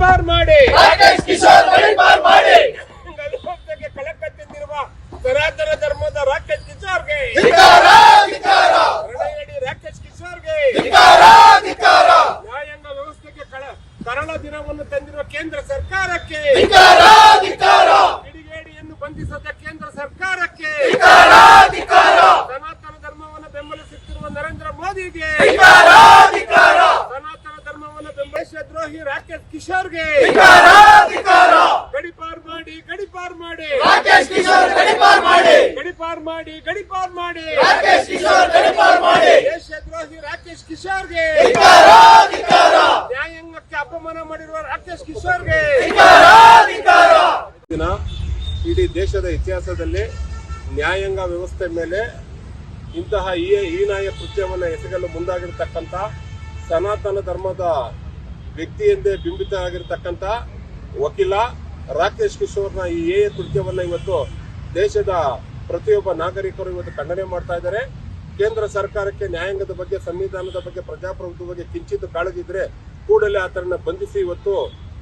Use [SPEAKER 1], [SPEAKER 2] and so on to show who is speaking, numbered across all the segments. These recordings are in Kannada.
[SPEAKER 1] ಗಡೀಪಾರ್ ಮಾಡಿ
[SPEAKER 2] ರಾಕೇಶ್ ಕಿಶೋರ್ ಗಡೀಪಾರ್ ಮಾಡಿ
[SPEAKER 1] ವ್ಯವಸ್ಥೆಗೆ ಕಳಕಟ್ಟಿರುವ ಸನಾತನ ಧರ್ಮದ ರಾಕೇಶ್ ಕಿಶೋರ್ಗೆ
[SPEAKER 2] ಧಿಕ್ಕಾರ ಧಿಕ್ಕಾರ
[SPEAKER 1] ರಣಯಡಿ ರಾಕೇಶ್ ಕಿಶೋರ್ಗೆ
[SPEAKER 2] ಧಿಕ್ಕಾರ ಧಿಕ್ಕಾರ
[SPEAKER 1] ನ್ಯಾಯಾಂಗ ವ್ಯವಸ್ಥೆಗೆ ಕರಾಳ ದಿನವನ್ನು ತಂದಿರುವ ಕೇಂದ್ರ ಸರ್ಕಾರಕ್ಕೆ
[SPEAKER 2] ಧಿಕ್ಕಾರ ಧಿಕ್ಕಾರ
[SPEAKER 1] ಕಿಡಿಗೇಡಿಯನ್ನು ಬಂಧಿಸದ ಕೇಂದ್ರ ಸರ್ಕಾರಕ್ಕೆ
[SPEAKER 2] ಧಿಕ್ಕಾರ ಧಿಕ್ಕಾರ
[SPEAKER 1] ಸನಾತನ ಧರ್ಮವನ್ನು ಬೆಂಬಲಿಸುತ್ತಿರುವ ನರೇಂದ್ರ ಮೋದಿಗೆ
[SPEAKER 2] ಧಿಕ್ಕಾರ ಧಿಕ್ಕಾರ
[SPEAKER 1] ಸನಾತನ ಧರ್ಮವನ್ನು ಬೆಂಬಲಿಸುವ ದ್ರೋಹಿ ರಾಕೇಶ್ ಕಿಶೋರ್ಗೆ
[SPEAKER 2] ಧಿಕ್ಕಾರ ಧಿಕ್ಕಾರ
[SPEAKER 1] ಗಡೀಪಾರ್ ಮಾಡಿ ಗಡೀಪಾರ್ ಮಾಡಿ
[SPEAKER 2] ರಾಕೇಶ್ ಕಿಶೋರ್ ಗಡೀಪಾರ್ ಮಾಡಿ
[SPEAKER 1] ಗಡೀಪಾರ್ ಮಾಡಿ ಗಡೀಪಾರ್ ಮಾಡಿ
[SPEAKER 2] ರಾಕೇಶ್ ಕಿಶೋರ್ ಗಡೀಪಾರ್ ಮಾಡಿ
[SPEAKER 1] ದೇಶದ್ರೋಹಿ ರಾಕೇಶ್ ಕಿಶೋರ್ಗೆ
[SPEAKER 2] ಧಿಕ್ಕಾರ ಧಿಕ್ಕಾರ
[SPEAKER 1] ನ್ಯಾಯಾಂಗಕ್ಕೆ ಅಪಮಾನ ಮಾಡಿರುವ ರಾಕೇಶ್ ಕಿಶೋರ್ಗೆ
[SPEAKER 2] ಧಿಕ್ಕಾರ ಧಿಕ್ಕಾರ
[SPEAKER 1] ದಿನ ಇಡೀ ದೇಶದ ಇತಿಹಾಸದಲ್ಲಿ ನ್ಯಾಯಾಂಗ ವ್ಯವಸ್ಥೆ ಮೇಲೆ ಇಂತಹ ಹೀನಾಯ ಕೃತ್ಯವನ್ನು ಎಸಗಲು ಮುಂದಾಗಿರ್ತಕ್ಕಂಥ ಸನಾತನ ಧರ್ಮದ ವ್ಯಕ್ತಿ ಎಂದೇ ಬಿಂಬಿತ ಆಗಿರ್ತಕ್ಕಂಥ ವಕೀಲ ರಾಕೇಶ್ ಕಿಶೋರ್ನ ಈ ಕೃತ್ಯವನ್ನು ಇವತ್ತು ದೇಶದ ಪ್ರತಿಯೊಬ್ಬ ನಾಗರಿಕರು ಇವತ್ತು ಖಂಡನೆ ಮಾಡ್ತಾ ಇದ್ದಾರೆ. ಕೇಂದ್ರ ಸರ್ಕಾರಕ್ಕೆ ನ್ಯಾಯಾಂಗದ ಬಗ್ಗೆ, ಸಂವಿಧಾನದ ಬಗ್ಗೆ, ಪ್ರಜಾಪ್ರಭುತ್ವದ ಬಗ್ಗೆ ಕಿಂಚಿತ್ ಕಾಳಜಿ ಇದ್ರೆ ಕೂಡಲೇ ಆತರನ್ನ ಬಂಧಿಸಿ ಇವತ್ತು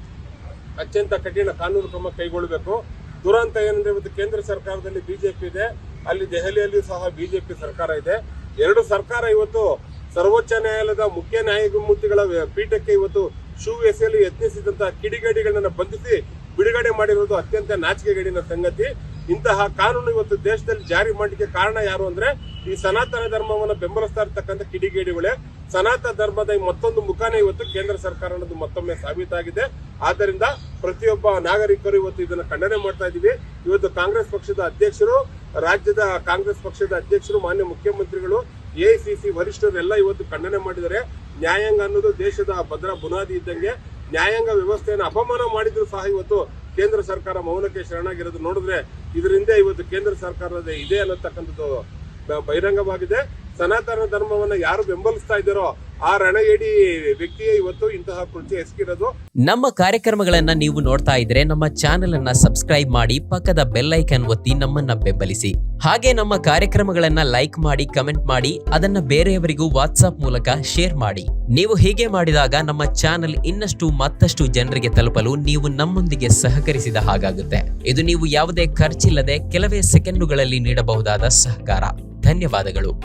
[SPEAKER 1] ಅತ್ಯಂತ ಕಠಿಣ ಕಾನೂನು ಕ್ರಮ ಕೈಗೊಳ್ಳಬೇಕು. ದುರಂತ ಏನಂದ್ರೆ ಇವತ್ತು ಕೇಂದ್ರ ಸರ್ಕಾರದಲ್ಲಿ ಬಿಜೆಪಿ ಇದೆ, ಅಲ್ಲಿ ದೆಹಲಿಯಲ್ಲಿಯೂ ಸಹ ಬಿಜೆಪಿ ಸರ್ಕಾರ ಇದೆ. ಎರಡು ಸರ್ಕಾರ ಇವತ್ತು ಸರ್ವೋಚ್ಚ ನ್ಯಾಯಾಲಯದ ಮುಖ್ಯ ನ್ಯಾಯಮೂರ್ತಿಗಳ ಪೀಠಕ್ಕೆ ಇವತ್ತು ಶೂ ಎಸೆಯಲು ಯತ್ನಿಸಿದಂತಹ ಕಿಡಿಗೇಡಿಗಳನ್ನ ಬಂಧಿಸಿ ಬಿಡುಗಡೆ ಮಾಡಿರುವುದು ಅತ್ಯಂತ ನಾಚಿಕೆಗೇಡಿನ ಸಂಗತಿ. ಇಂತಹ ಕಾನೂನು ಇವತ್ತು ದೇಶದಲ್ಲಿ ಜಾರಿ ಮಾಡಲಿಕ್ಕೆ ಕಾರಣ ಯಾರು ಅಂದ್ರೆ ಈ ಸನಾತನ ಧರ್ಮವನ್ನು ಬೆಂಬಲಿಸ್ತಾ ಇರ್ತಕ್ಕಂಥ ಕಿಡಿಗೇಡಿಗಳೇ. ಸನಾತನ ಧರ್ಮದ ಮತ್ತೊಂದು ಮುಖಾನೇ ಇವತ್ತು ಕೇಂದ್ರ ಸರ್ಕಾರ ಅನ್ನೋದು ಮತ್ತೊಮ್ಮೆ ಸಾಬೀತಾಗಿದೆ. ಆದ್ದರಿಂದ ಪ್ರತಿಯೊಬ್ಬ ನಾಗರಿಕರು ಇವತ್ತು ಇದನ್ನು ಖಂಡನೆ ಮಾಡ್ತಾ ಇದ್ದೀವಿ. ಇವತ್ತು ಕಾಂಗ್ರೆಸ್ ಪಕ್ಷದ ಅಧ್ಯಕ್ಷರು, ರಾಜ್ಯದ ಕಾಂಗ್ರೆಸ್ ಪಕ್ಷದ ಅಧ್ಯಕ್ಷರು, ಮಾನ್ಯ ಮುಖ್ಯಮಂತ್ರಿಗಳು, ಎಐಸಿಸಿ ವರಿಷ್ಠರೆಲ್ಲ ಇವತ್ತು ಖಂಡನೆ ಮಾಡಿದ್ದಾರೆ. ನ್ಯಾಯಾಂಗ ಅನ್ನೋದು ದೇಶದ ಭದ್ರ ಬುನಾದಿ ಇದ್ದಂಗೆ. ನ್ಯಾಯಾಂಗ ವ್ಯವಸ್ಥೆಯನ್ನು ಅಪಮಾನ ಮಾಡಿದ್ರು ಸಹ ಇವತ್ತು ಕೇಂದ್ರ ಸರ್ಕಾರ ಮೌನಕ್ಕೆ ಶರಣಾಗಿರೋದು ನೋಡಿದ್ರೆ ಇದರಿಂದ ಇವತ್ತು ಕೇಂದ್ರ ಸರ್ಕಾರದ ಇದೆ ಅನ್ನತಕ್ಕಂಥದ್ದು ಬಹಿರಂಗವಾಗಿದೆ. ಸನಾತನ ಧರ್ಮವನ್ನ ಯಾರು ಬೆಂಬಲಿಸ್ತಾ ಇದ್ದಾರೋ ಆ ರಣಯಡಿ ವ್ಯಕ್ತಿಯೇ ಇವತ್ತು ಇಂತಹ ಕೃತ್ಯ ಎಸಗಿರೋದು.
[SPEAKER 3] ನಮ್ಮ ಕಾರ್ಯಕ್ರಮಗಳನ್ನ ನೀವು ನೋಡ್ತಾ ಇದ್ರೆ ನಮ್ಮ ಚಾನೆಲ್ ಅನ್ನ ಸಬ್ಸ್ಕ್ರೈಬ್ ಮಾಡಿ, ಪಕ್ಕದ ಬೆಲ್ ಐಕಾನ್ ಒತ್ತಿ ನಮ್ಮನ್ನ ಬೆಂಬಲಿಸಿ. ಹಾಗೆ ನಮ್ಮ ಕಾರ್ಯಕ್ರಮಗಳನ್ನ ಲೈಕ್ ಮಾಡಿ, ಕಮೆಂಟ್ ಮಾಡಿ, ಅದನ್ನ ಬೇರೆಯವರಿಗೂ ವಾಟ್ಸ್ಆಪ್ ಮೂಲಕ ಶೇರ್ ಮಾಡಿ. ನೀವು ಹೀಗೆ ಮಾಡಿದಾಗ ನಮ್ಮ ಚಾನೆಲ್ ಇನ್ನಷ್ಟು ಮತ್ತಷ್ಟು ಜನರಿಗೆ ತಲುಪಲು ನೀವು ನಮ್ಮೊಂದಿಗೆ ಸಹಕರಿಸಿದ ಹಾಗಾಗುತ್ತೆ. ಇದು ನೀವು ಯಾವುದೇ ಖರ್ಚಿಲ್ಲದೆ ಕೆಲವೇ ಸೆಕೆಂಡುಗಳಲ್ಲಿ ನೀಡಬಹುದಾದ ಸಹಕಾರ. ಧನ್ಯವಾದಗಳು.